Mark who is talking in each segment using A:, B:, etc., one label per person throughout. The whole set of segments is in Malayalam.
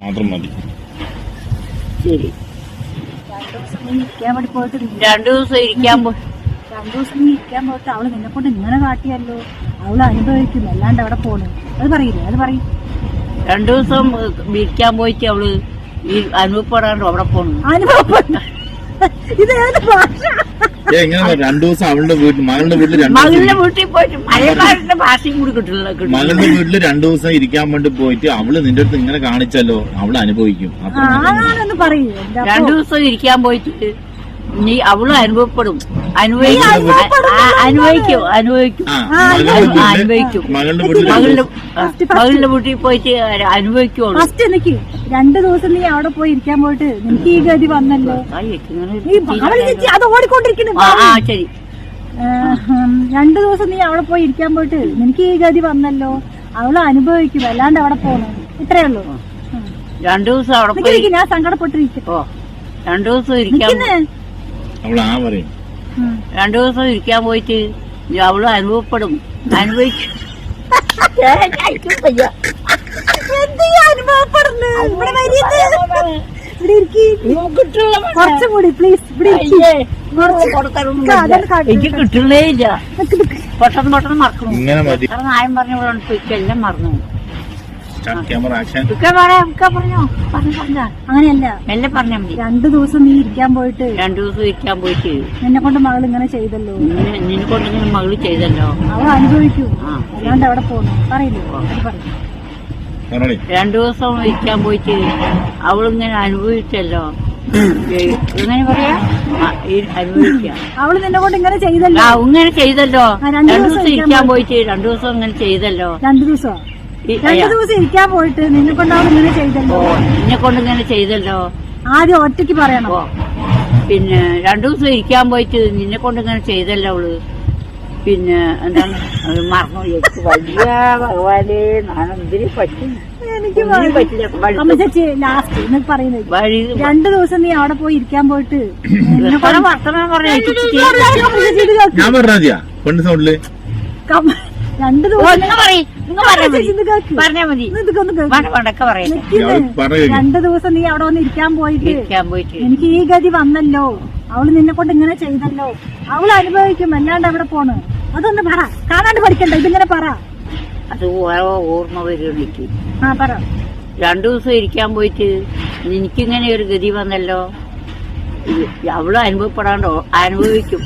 A: മാത്രം മതി.
B: ശരി. 2 ദിവസം ഇരിക്കാൻ പോയിട്ട് അവള് നിന്നെ കൊണ്ട് ഇങ്ങനെ കാട്ടിയല്ലോ, അവള് അനുഭവിക്കും, അല്ലാണ്ട് അവിടെ പോണു. അത് പറയില്ലേ? അത് പറയും. 2 ദിവസം ഇരിക്കാൻ പോയിട്ട് അവള് ഈ അനുഭവപ്പെടാണ്ട് അവിടെ പോണു. ഇത് ഏത് ഭാഷ?
A: 2 ദിവസം അവളുടെ വീട്ടിൽ മകളുടെ വീട്ടിൽ
B: പോയിട്ട് മലയാളത്തിന്റെ ഭാഷയും കൂടി കിട്ടില്ല.
A: മകളുടെ വീട്ടില് 2 ദിവസം ഇരിക്കാൻ വേണ്ടി പോയിട്ട് അവള് നിന്റെ അടുത്ത് ഇങ്ങനെ കാണിച്ചല്ലോ, അവള് അനുഭവിക്കും.
B: അതാണെന്ന് പറയൂ. 2 ദിവസം ഇരിക്കാൻ പോയിട്ട് നീ അവള് അനുഭവപ്പെടും, അനുഭവിക്കും. മകളുടെ വീട്ടിൽ പോയിട്ട് അനുഭവിക്കുള്ളൂ. 2 ദിവസം നീ അവിടെ പോയി ഇരിക്കാൻ പോയിട്ട് നിനക്ക് ഈ ഗതി വന്നല്ലോ. അത് ഓടിക്കൊണ്ടിരിക്കുന്നു. ശരി. 2 ദിവസം നീ അവിടെ പോയി ഇരിക്കാൻ പോയിട്ട് നിനക്ക് ഈ ഗതി വന്നല്ലോ, അവള് അനുഭവിക്കും, അല്ലാണ്ട് അവിടെ പോണു. ഇത്രേ ഉള്ളൂ. 2 ദിവസം അവിടെ പോയി ഞാൻ സങ്കടപ്പെട്ടിരിക്കും. 2 ദിവസം ഇരിക്കാൻ 2 ദിവസം ഇരിക്കാൻ പോയിട്ട് അവള് അനുഭവപ്പെടും, അനുഭവിക്കും. കുറച്ചുകൂടി പ്ലീസ്. എനിക്ക് കിട്ടുന്നേ ഇല്ല. പെട്ടെന്ന് മറക്കണം. നായം പറഞ്ഞ എല്ലാം മറന്നു. അങ്ങനെയല്ല, എല്ലാം പറഞ്ഞാ മതി. 2 ദിവസം നീ ഇരിക്കാൻ പോയിട്ട് നിന്നെ കൊണ്ട് മകൾ ഇങ്ങനെ ചെയ്തല്ലോ, നിന്നെ കൊണ്ട് ഇങ്ങനെ മകള് ചെയ്തല്ലോ, അവൾ അനുഭവിക്കൂ, അല്ലാണ്ട് അവിടെ പോന്നു. പറയില്ലേ? അത് പറയും. 2 ദിവസം ഇരിക്കാൻ പോയിട്ട് അവളിങ്ങനെ അനുഭവിച്ചല്ലോ, ഇങ്ങനെ പറയാ, അനുഭവിക്കാം. അവള് നിന്നെ കൊണ്ട് ഇങ്ങനെ ചെയ്തല്ലോ, ഇങ്ങനെ ചെയ്തല്ലോ. 2 ദിവസം ഇരിക്കാൻ പോയിട്ട് 2 ദിവസം ഇങ്ങനെ ചെയ്തല്ലോ. 2 ദിവസം ഇരിക്കാൻ പോയിട്ട് നിന്നെ കൊണ്ട് അവൾ ഇങ്ങനെ ചെയ്തല്ലോ, നിന്നെ കൊണ്ട് ഇങ്ങനെ ചെയ്തല്ലോ. ആദ്യം ഒറ്റയ്ക്ക് പറയണോ? പിന്നെ 2 ദിവസം ഇരിക്കാൻ പോയിട്ട് നിന്നെ കൊണ്ട് ഇങ്ങനെ ചെയ്തല്ലോ അവള്. പിന്നെ എന്താണ് മറന്നു. വലിയ ഭഗവാനെ, ഞാനെന്തിനു പറ്റും? എനിക്ക് ലാസ്റ്റ് എന്നൊക്കെ പറയുന്നത് 2 ദിവസം നീ അവിടെ പോയി ഇരിക്കാൻ പോയിട്ട് വർത്തമാനം പറഞ്ഞ 2 ദിവസം നീ അവിടെ വന്ന് ഇരിക്കാൻ പോയിട്ട് എനിക്ക് ഈ ഗതി വന്നല്ലോ, അവള് നിന്നെ കൊണ്ട് ഇങ്ങനെ ചെയ്തല്ലോ, അവള് അനുഭവിക്കും, അല്ലാണ്ട് അവിടെ പോണ്. അതൊന്ന് പറ, കാണാണ്ട് പഠിക്കണ്ട, ഇതിങ്ങനെ പറ. അത് ഓർമ്മ വരുന്നിക്ക്. പറ. 2 ദിവസം ഇരിക്കാൻ പോയിട്ട് എനിക്കിങ്ങനെ ഒരു ഗതി വന്നല്ലോ, അവള് അനുഭവപ്പെടാണ്ടോ, അനുഭവിക്കും.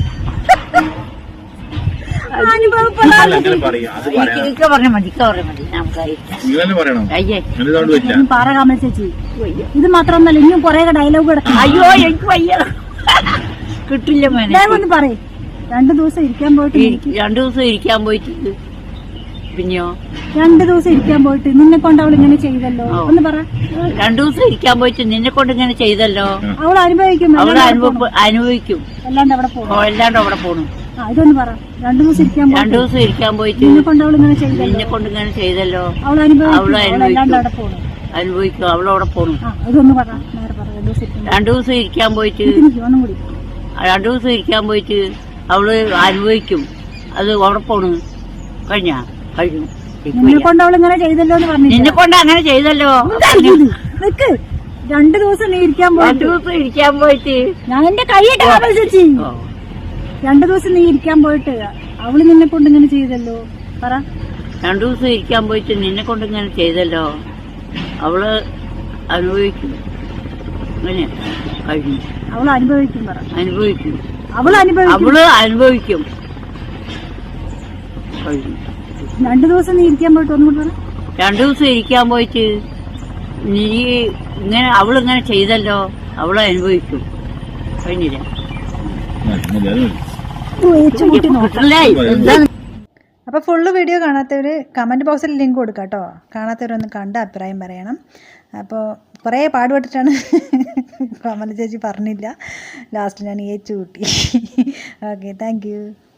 B: പറ കമല ചേച്ചി. ഇത് മാത്രമൊന്നല്ല, ഇനിയും കൊറേ ഡയലോഗ് കിടക്കും. അയ്യോ എനിക്ക് വയ്യ, കിട്ടില്ല. ഒന്ന് പറയും. 2 ദിവസം ഇരിക്കാൻ പോയിട്ട് 2 ദിവസം ഇരിക്കാൻ പോയിട്ട് പിന്നെയോ 2 ദിവസം ഇരിക്കാൻ പോയിട്ട് നിന്നെ കൊണ്ട് അവൾ ഇങ്ങനെ ചെയ്തല്ലോ, ഒന്ന് പറ. 2 ദിവസം ഇരിക്കാൻ പോയിട്ട് നിന്നെ കൊണ്ട് ഇങ്ങനെ ചെയ്തല്ലോ, അവൾ അനുഭവിക്കും, അനുഭവിക്കും, അല്ലാണ്ട് അവിടെ പോണു. ഇതൊന്ന് പറ. 2 ദിവസം ഇരിക്കാൻ പോയിട്ട് നിന്നെ കൊണ്ട് അവൾ ഇങ്ങനെ ചെയ്തല്ലോ, അവൾ അനുഭവിക്കും, അല്ലാണ്ട് അവിടെ പോണു. അനുഭവിക്കും, അവളവിടെ പോണു. ഇതൊന്ന് പറ. 2 ദിവസം ഇരിക്കാൻ പോയിട്ട് 2 ദിവസം ഇരിക്കാൻ പോയിട്ട് അവള് അനുഭവിക്കും, അത് അവിടെ പോണു. കഴിഞ്ഞു. നിന്നെ കൊണ്ട് അവൾ ഇങ്ങനെ ചെയ്തല്ലോ എന്ന് പറഞ്ഞു. നിന്നെ കൊണ്ട് അങ്ങനെ ചെയ്തല്ലോ. നിക്ക്. 2 ദിവസം നീ ഇരിക്കാൻ പോയിട്ട് ഞാൻ എന്റെ കൈയിട്ട് ചേച്ചി. 2 ദിവസം നീ ഇരിക്കാൻ പോയിട്ട് അവള് നിന്നെ കൊണ്ട് ഇങ്ങനെ ചെയ്തല്ലോ, പറ. 2 ദിവസം ഇരിക്കാൻ പോയിട്ട് നിന്നെ കൊണ്ട് ഇങ്ങനെ ചെയ്തല്ലോ, അവള് അനുഭവിക്കും. അങ്ങനെ കഴിഞ്ഞു. അവള് അനുഭവിക്കും, പറ. അനുഭവിക്കും, അവള് അനുഭവിക്കും. കഴിഞ്ഞു. 2 ദിവസം നീ ഇരിക്കാൻ പോയിട്ട് ഒന്നും കൂടെ പറ. 2 ദിവസം ഇരിക്കാൻ പോയിട്ട് നീ ഇങ്ങനെ അവളിങ്ങനെ ചെയ്തല്ലോ, അവള് അനുഭവിക്കും. കഴിഞ്ഞില്ല.
C: അപ്പോൾ ഫുള്ള് വീഡിയോ കാണാത്തവർ കമൻറ്റ് ബോക്സിൽ ലിങ്ക് കൊടുക്കാം കേട്ടോ. കാണാത്തവരൊന്ന് കണ്ട് അഭിപ്രായം പറയണം. അപ്പോൾ കുറേ പാടുപെട്ടിട്ടാണ് കമല ചേച്ചി പറഞ്ഞില്ല, ലാസ്റ്റ് ഞാൻ ഏച്ചു കൂട്ടി. Okay, thank U.